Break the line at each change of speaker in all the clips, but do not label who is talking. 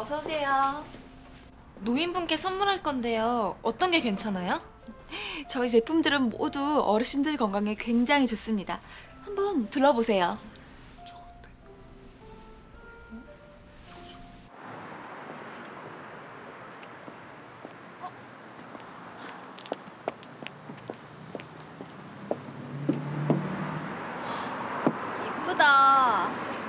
어서 오세요.
노인분께 선물할 건데요. 어떤 게 괜찮아요?
저희 제품들은 모두 어르신들 건강에 굉장히 좋습니다. 한번 둘러보세요. 이쁘다.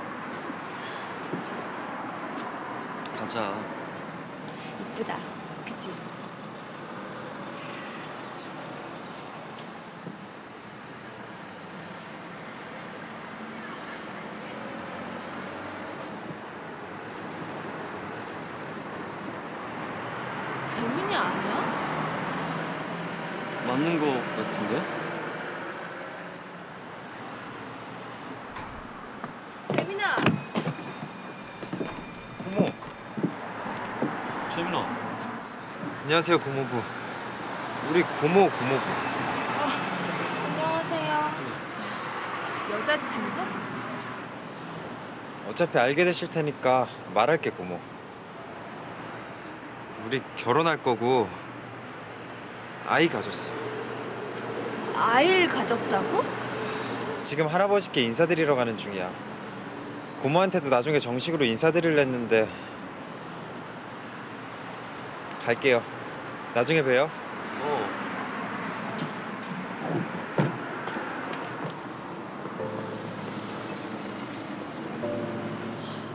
가자.
이쁘다. 그치?
재민이 아니야?
맞는 거 같은데?
재민아.
고모.
재민아.
안녕하세요, 고모부. 우리 고모부.
안녕하세요. 여자친구?
어차피 알게 되실 테니까 말할게, 고모. 우리 결혼할 거고 아이 가졌어.
아이를 가졌다고?
지금 할아버지께 인사드리러 가는 중이야. 고모한테도 나중에 정식으로 인사드리려 했는데 갈게요. 나중에 봬요.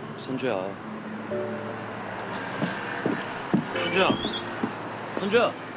선주야. 선주야. 선주야.